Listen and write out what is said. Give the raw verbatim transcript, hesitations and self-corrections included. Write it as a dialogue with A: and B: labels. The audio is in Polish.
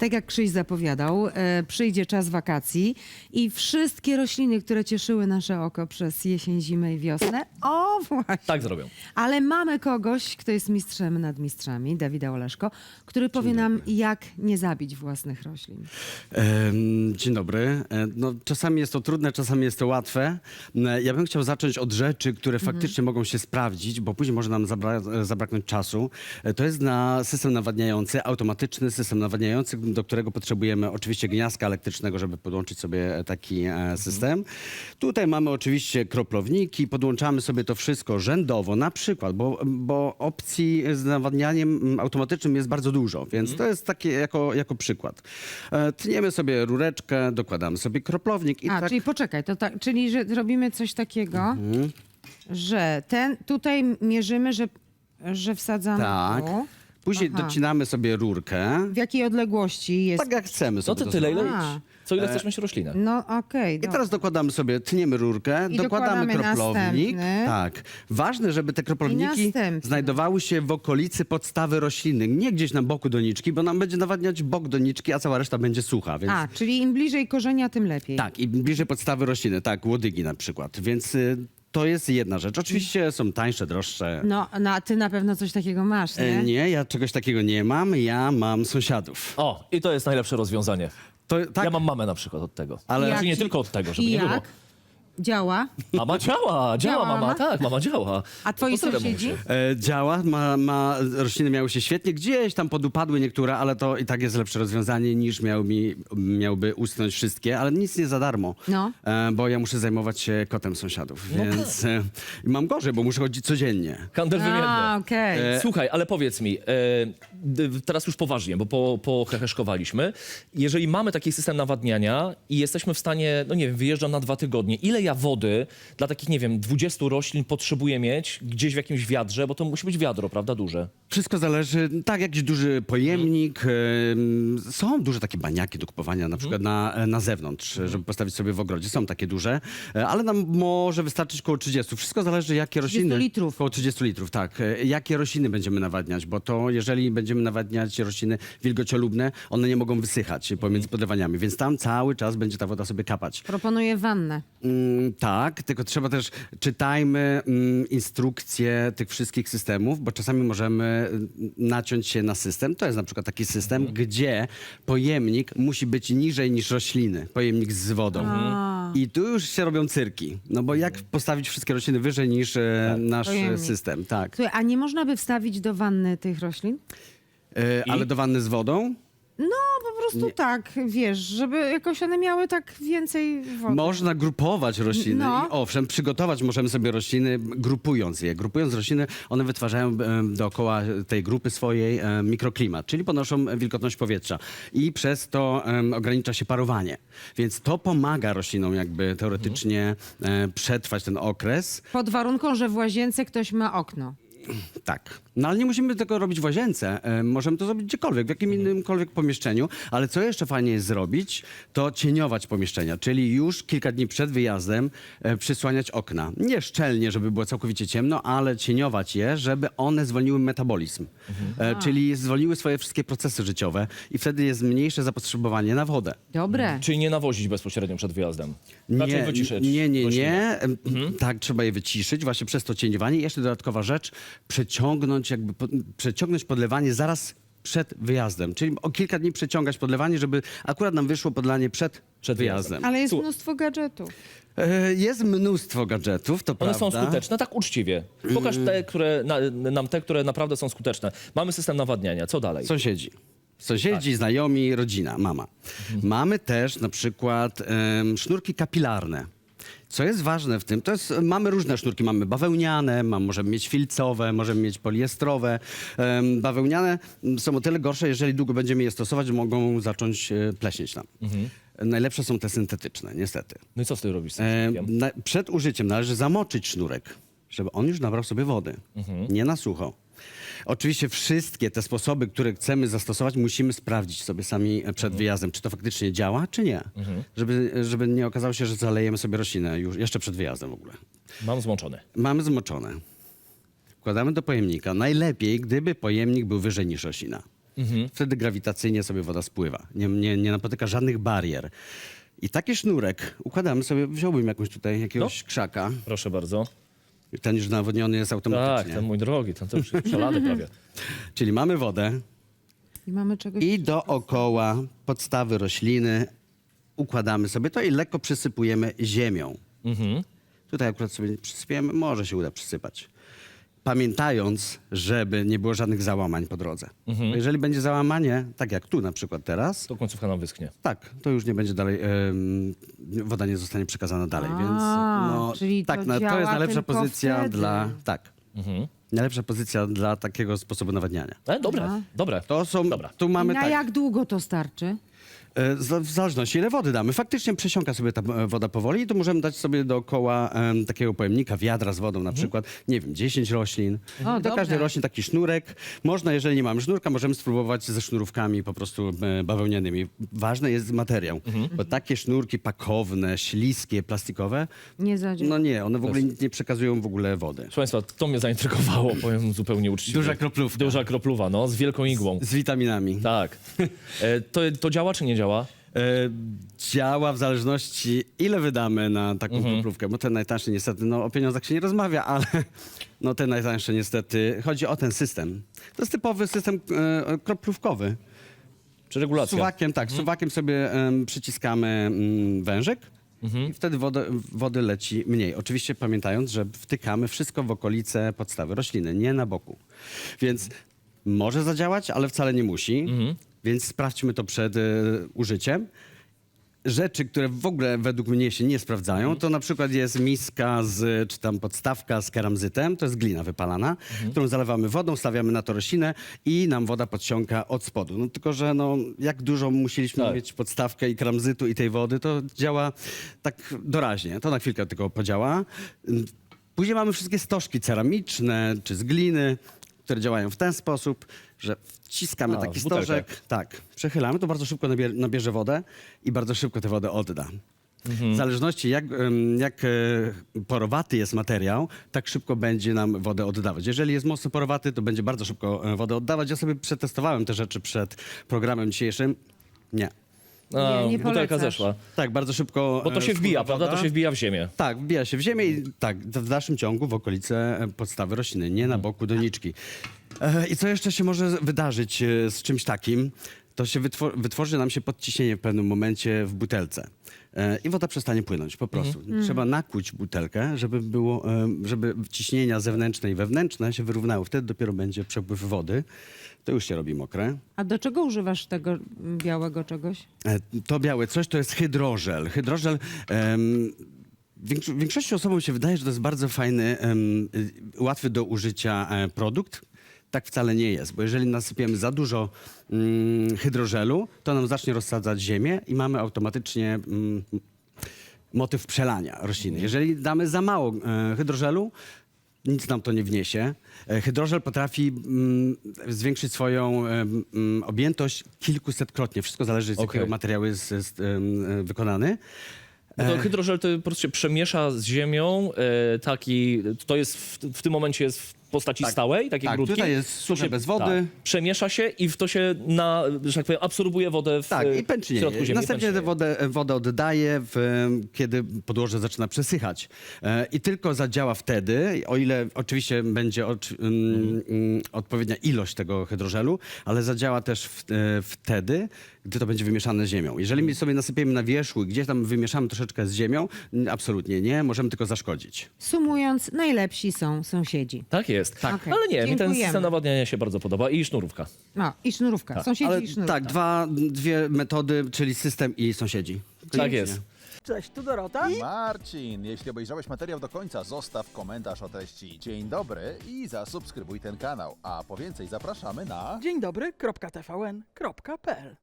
A: tak jak Krzyś zapowiadał, e, przyjdzie czas wakacji i wszystkie rośliny, które cieszyły nasze oko przez jesień, zimę i wiosnę, o właśnie.
B: Tak zrobią.
A: Ale mamy kogoś, kto jest mistrzem nad mistrzami, Dawida Oleszko, który powie nam, jak nie zabić własnych roślin.
C: Em, Dzień dobry. E, No, czasami jest to trudne, czasami jest to łatwe. E, Ja bym chciał zacząć od rzeczy, które faktycznie mogą się sprawdzić, bo później może nam zabra zabraknąć czasu. E, To jest na system nawadniający, automatyczny system nawadniający, do którego potrzebujemy oczywiście gniazdka elektrycznego, żeby podłączyć sobie taki e, system. Tutaj mamy oczywiście kroplowniki, podłączamy sobie to wszystko rzędowo, na przykład, bo, bo opcji z nawadnianiem mm, automatycznym jest bardzo dużo, więc to jest takie jako, jako przykład. E, Tniemy sobie rureczkę, dokładamy sobie kroplownik i
A: A,
C: tak...
A: czyli poczekaj, to tak, czyli że robimy coś takiego, że ten, tutaj mierzymy, że, że wsadzamy
C: Tak.
A: tu.
C: Później
A: Aha.
C: docinamy sobie rurkę,
A: W jakiej odległości jest?
C: tak jak chcemy
B: No
C: sobie
B: to
C: to
B: tyle, ile,
C: zrobić.
A: A.
B: co ile chcesz mieć roślinę.
A: No okej,
C: I
A: dobra.
C: teraz dokładamy sobie, tniemy rurkę,
A: I
C: dokładamy
A: dokładamy
C: kroplownik.
A: następny.
C: Tak. Ważne, żeby te kroplownniki
A: następny.
C: znajdowały się w okolicy podstawy rośliny, nie gdzieś na boku doniczki, bo nam będzie nawadniać bok doniczki, a cała reszta będzie sucha. Więc...
A: A, czyli im bliżej korzenia, tym lepiej.
C: Tak, i bliżej podstawy rośliny, tak, łodygi na przykład. Więc y, to jest jedna rzecz. Oczywiście są tańsze, droższe.
A: No, no, a ty na pewno coś takiego masz, nie?
C: E, Nie, ja czegoś takiego nie mam, ja mam sąsiadów.
B: O, i to jest najlepsze rozwiązanie.
C: To, tak,
B: Ja mam mamę na przykład od tego.
C: Ale-
B: Znaczy nie
A: Jak-
B: tylko od tego, żeby
A: I
B: nie było.
A: jak? Działa?
B: Mama działa, działa
A: Działa
B: mama,
A: mama?
B: tak, mama działa.
A: A twoi
B: Pozdrawiam
A: sąsiedzi?
B: mamusię.
C: E, działa, ma, ma, rośliny miały się świetnie, gdzieś tam podupadły niektóre, ale to i tak jest lepsze rozwiązanie niż miał mi, miałby usnąć wszystkie, ale nic nie za darmo,
A: No.
C: e, bo ja muszę zajmować się kotem sąsiadów, więc e, i mam gorzej, bo muszę chodzić codziennie.
B: Handel wymienny.
A: A, okej.
B: E, Słuchaj, ale powiedz mi, e, d- teraz już poważnie, bo po, poheheszkowaliśmy. Jeżeli mamy taki system nawadniania i jesteśmy w stanie, no nie wiem, wyjeżdżam na dwa tygodnie, ile ja wody dla takich, nie wiem, dwudziestu roślin potrzebuję mieć gdzieś w jakimś wiadrze, bo to musi być wiadro, prawda, duże.
C: Wszystko zależy, tak, jakiś duży pojemnik, em, są duże takie baniaki do kupowania na przykład na, na zewnątrz, żeby postawić sobie w ogrodzie, są takie duże, e, ale nam może wystarczyć około trzydziestu. Wszystko zależy, jakie rośliny...
A: litrów.
C: Około trzydziestu litrów, tak. E, Jakie rośliny będziemy nawadniać, bo to jeżeli będziemy nawadniać rośliny wilgociolubne, one nie mogą wysychać pomiędzy podlewaniami, więc tam cały czas będzie ta woda sobie kapać.
A: Proponuję wannę.
C: Mm, tak, tylko trzeba też, czytajmy mm, instrukcje tych wszystkich systemów, bo czasami możemy mm, naciąć się na system. To jest na przykład taki system, gdzie pojemnik musi być niżej niż rośliny, pojemnik z wodą. I tu już się robią cyrki, no bo jak postawić wszystkie rośliny wyżej niż e, nasz e,
A: Pojemnik.
C: system, tak.
A: Słuchaj, a nie można by wstawić do wanny tych roślin?
C: E, ale do wanny z wodą?
A: No, po prostu tak, wiesz, żeby jakoś one miały tak więcej wody.
C: Można grupować rośliny.
A: No.
C: I owszem, przygotować możemy sobie rośliny, grupując je. Grupując rośliny, one wytwarzają e, dookoła tej grupy swojej e, mikroklimat, czyli ponoszą wilgotność powietrza. I przez to e, ogranicza się parowanie. Więc to pomaga roślinom jakby teoretycznie e, przetrwać ten okres.
A: Pod warunką, że w łazience ktoś ma okno.
C: Tak. No ale nie musimy tego robić w łazience. E, możemy to zrobić gdziekolwiek, w jakim innymkolwiek pomieszczeniu. Ale co jeszcze fajnie jest zrobić, to cieniować pomieszczenia. Czyli już kilka dni przed wyjazdem e, przysłaniać okna. Nie szczelnie, żeby było całkowicie ciemno, ale cieniować je, żeby one zwolniły metabolizm. E, czyli zwolniły swoje wszystkie procesy życiowe i wtedy jest mniejsze zapotrzebowanie na wodę.
A: Dobre.
B: Czyli nie nawozić bezpośrednio przed wyjazdem. Raczej
C: Nie,
B: wyciszyć
C: nie, nie,
B: rośliny.
C: nie. Tak, trzeba je wyciszyć właśnie przez to cieniowanie. I jeszcze dodatkowa rzecz, przeciągnąć jakby, po, przeciągnąć podlewanie zaraz przed wyjazdem. Czyli o kilka dni przeciągać podlewanie, żeby akurat nam wyszło podlanie przed,
B: Przed
C: wyjazdem.
A: Ale jest
B: Słu-
A: mnóstwo gadżetów.
C: E, Jest mnóstwo gadżetów, to
B: One
C: prawda.
B: są skuteczne, tak uczciwie. Pokaż te, które, na, nam te, które naprawdę są skuteczne. Mamy system nawadniania, co dalej?
C: Sąsiedzi. Sąsiedzi, znajomi, rodzina, mama. Mamy też na przykład em, sznurki kapilarne. Co jest ważne w tym, to jest, mamy różne sznurki, mamy bawełniane, mam, możemy mieć filcowe, możemy mieć poliestrowe. Em, bawełniane są o tyle gorsze, jeżeli długo będziemy je stosować, że mogą zacząć e, pleśnieć nam. Najlepsze są te syntetyczne, niestety.
B: No i co z tym robisz z tym
C: E,
B: sznurkiem?
C: na, przed użyciem należy zamoczyć sznurek, żeby on już nabrał sobie wody, nie na sucho. Oczywiście wszystkie te sposoby, które chcemy zastosować, musimy sprawdzić sobie sami przed wyjazdem, czy to faktycznie działa, czy nie. Żeby, żeby nie okazało się, że zalejemy sobie roślinę już jeszcze przed wyjazdem w ogóle.
B: Mam złączony.
C: Mamy zmoczone. Wkładamy do pojemnika. Najlepiej, gdyby pojemnik był wyżej niż roślina. Wtedy grawitacyjnie sobie woda spływa. Nie, nie, nie napotyka żadnych barier. I taki sznurek układamy sobie, wziąłbym jakąś tutaj, jakiegoś
B: No.
C: krzaka.
B: Proszę bardzo.
C: Ten już nawodniony jest
B: Tak,
C: automatycznie.
B: ten mój drogi, ten to już jest przelany prawie.
C: Czyli mamy wodę
A: I mamy czegoś...
C: i dookoła podstawy rośliny układamy sobie to i lekko przysypujemy ziemią.
B: Mhm.
C: Tutaj akurat sobie przysypiemy, może się uda przysypać. Pamiętając, żeby nie było żadnych załamań po drodze. Bo jeżeli będzie załamanie, tak jak tu na przykład teraz,
B: To końcówka nam wyschnie.
C: tak, to już nie będzie dalej, em, woda nie zostanie przekazana dalej,
A: A,
C: więc no,
A: czyli to
C: tak, na, to
A: działa
C: jest najlepsza
A: tylko
C: pozycja
A: wtedy.
C: dla, tak,
B: Mhm.
C: najlepsza pozycja dla takiego sposobu nawadniania.
B: E, dobre,
A: Aha.
B: dobre.
C: To są,
B: Dobra.
C: tu mamy
A: Na
C: tak,
A: jak długo to starczy?
C: e, z- w zależności ile wody damy. Faktycznie przesiąka sobie ta e, woda powoli i tu możemy dać sobie dookoła em, takiego pojemnika, wiadra z wodą na przykład, nie wiem, dziesięć roślin.
A: O,
C: I do
A: dobrze.
C: każdej roślin taki sznurek. Można, jeżeli nie mamy sznurka, możemy spróbować ze sznurówkami po prostu e, bawełnianymi. Ważny jest materiał, bo takie sznurki pakowne, śliskie, plastikowe,
A: Nie zadziała.
C: no nie, one w ogóle nie, nie przekazują w ogóle wody.
B: Proszę Państwa, to mnie zaintrygowało, powiem zupełnie uczciwie.
C: Duża kroplówka.
B: Duża kropluwa, no, z wielką igłą.
C: Z witaminami.
B: Tak. E, to, to działa czy nie działa?
C: E, działa w zależności, ile wydamy na taką
B: Mhm.
C: kroplówkę, bo ten najtańszy niestety, no o pieniądzach się nie rozmawia, ale no ten najtańszy niestety, chodzi o ten system. To jest typowy system e, kroplówkowy.
B: Czy regulacja?
C: Suwakiem, tak, suwakiem sobie em, przyciskamy mm, wężyk i wtedy wodę, wody leci mniej. Oczywiście pamiętając, że wtykamy wszystko w okolice podstawy rośliny, nie na boku. Więc może zadziałać, ale wcale nie musi. Więc sprawdźmy to przed e, użyciem. Rzeczy, które w ogóle według mnie się nie sprawdzają, to na przykład jest miska z, czy tam podstawka z keramzytem, to jest glina wypalana, którą zalewamy wodą, stawiamy na to roślinę i nam woda podsiąka od spodu. No tylko, że no, jak dużo musieliśmy
B: Tak.
C: mieć podstawkę i keramzytu i tej wody, to działa tak doraźnie. To na chwilkę tylko podziała. Później mamy wszystkie stożki ceramiczne czy z gliny, które działają w ten sposób, że wciskamy
B: A,
C: taki
B: w butelkę.
C: stożek, tak, przechylamy, to bardzo szybko nabier- nabierze wodę i bardzo szybko tę wodę odda. W zależności jak, em, jak e, porowaty jest materiał, tak szybko będzie nam wodę oddawać. Jeżeli jest mocno porowaty, to będzie bardzo szybko e, wodę oddawać. Ja sobie przetestowałem te rzeczy przed programem dzisiejszym. Nie.
B: A,
A: Nie, nie
B: butelka
A: polecasz.
B: zeszła.
C: Tak, bardzo szybko.
B: Bo to
C: e,
B: się wbija,
C: wpływa
B: prawda?
C: woda.
B: To się wbija w ziemię.
C: Tak, wbija się w ziemię i tak, w dalszym ciągu w okolice e, podstawy rośliny, nie na boku doniczki. E, I co jeszcze się może wydarzyć e, z czymś takim? To się wytwor- wytworzy nam się podciśnienie w pewnym momencie w butelce. E, I woda przestanie płynąć, po prostu. Trzeba nakłuć butelkę, żeby było, e, żeby ciśnienia zewnętrzne i wewnętrzne się wyrównały. Wtedy dopiero będzie przepływ wody. To już się robi mokre.
A: A do czego używasz tego białego czegoś?
C: E, To białe coś to jest hydrożel. Hydrożel. em, większo- Większości osobom się wydaje, że to jest bardzo fajny, em, y, łatwy do użycia e, produkt. Tak wcale nie jest, bo jeżeli nasypiemy za dużo mm, hydrożelu, to nam zacznie rozsadzać ziemię i mamy automatycznie mm, motyw przelania rośliny. Jeżeli damy za mało e, hydrożelu, nic nam to nie wniesie. E, Hydrożel potrafi mm, zwiększyć swoją em, mm, objętość kilkusetkrotnie. Wszystko zależy z
B: Okej.
C: jakiego materiału jest, jest em, wykonany.
B: Bo to hydrożel to po prostu się przemiesza z ziemią, e, taki, to jest w, w tym momencie jest w postaci
C: Tak.
B: stałej, takiej
C: Tak,
B: grudki.
C: tutaj jest
B: To
C: suche
B: się-
C: bez wody.
B: Tak, przemiesza się i w to się, na, że tak powiem, absorbuje wodę w,
C: Tak, i
B: w środku
C: pęcznieje.
B: ziemi.
C: Następnie
B: pęcznieje.
C: tę wodę, wodę oddaje, w, kiedy podłoże zaczyna przesychać. E, I tylko zadziała wtedy, o ile oczywiście będzie oczy- mm, mm, odpowiednia ilość tego hydrożelu, ale zadziała też w, e, wtedy, gdy to będzie wymieszane z ziemią. Jeżeli my sobie nasypiemy na wierzchu i gdzieś tam wymieszamy troszeczkę z ziemią, n- absolutnie nie, możemy tylko zaszkodzić.
A: Sumując, najlepsi są sąsiedzi.
B: Tak jest.
A: Tak.
B: Ale nie, mi ten
A: Dziękujemy.
B: system nawadniania się bardzo podoba i sznurówka.
A: No, i sznurówka. Sąsiedzi
C: Ale
A: i sznurówka.
C: tak, dwa, dwie metody, czyli system i sąsiedzi.
B: Tak jest.
D: Cześć, tu Dorota.
E: Marcin, jeśli obejrzałeś materiał do końca, zostaw komentarz o treści dzień dobry i zasubskrybuj ten kanał. A po więcej zapraszamy na...
D: Dzień dobry, kropka T V N, kropka P L.